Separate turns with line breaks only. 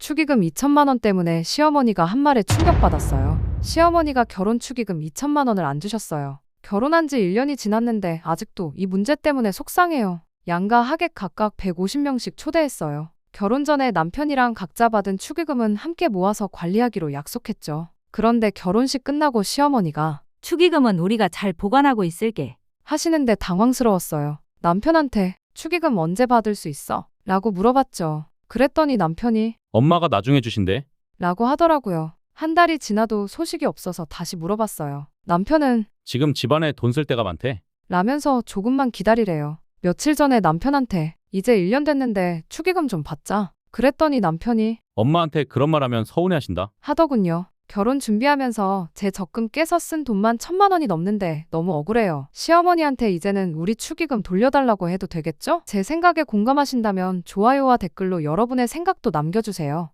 축의금 2천만 원 때문에 시어머니가 한 말에 충격받았어요. 시어머니가 결혼 축의금 2천만 원을 안 주셨어요. 결혼한 지 1년이 지났는데 아직도 이 문제 때문에 속상해요. 양가 하객 각각 150명씩 초대했어요. 결혼 전에 남편이랑 각자 받은 축의금은 함께 모아서 관리하기로 약속했죠. 그런데 결혼식 끝나고 시어머니가
축의금은 우리가 잘 보관하고 있을게.
하시는데 당황스러웠어요. 남편한테 축의금 언제 받을 수 있어? 라고 물어봤죠. 그랬더니 남편이
엄마가 나중에 주신대.
라고 하더라고요. 한 달이 지나도 소식이 없어서 다시 물어봤어요. 남편은
지금 집안에 돈 쓸 데가 많대.
라면서 조금만 기다리래요. 며칠 전에 남편한테 이제 1년 됐는데 축의금 좀 받자. 그랬더니 남편이
엄마한테 그런 말 하면 서운해하신다.
하더군요. 결혼 준비하면서 제 적금 깨서 쓴 돈만 1,000만 원이 넘는데 너무 억울해요. 시어머니한테 이제는 우리 축의금 돌려달라고 해도 되겠죠? 제 생각에 공감하신다면 좋아요와 댓글로 여러분의 생각도 남겨주세요.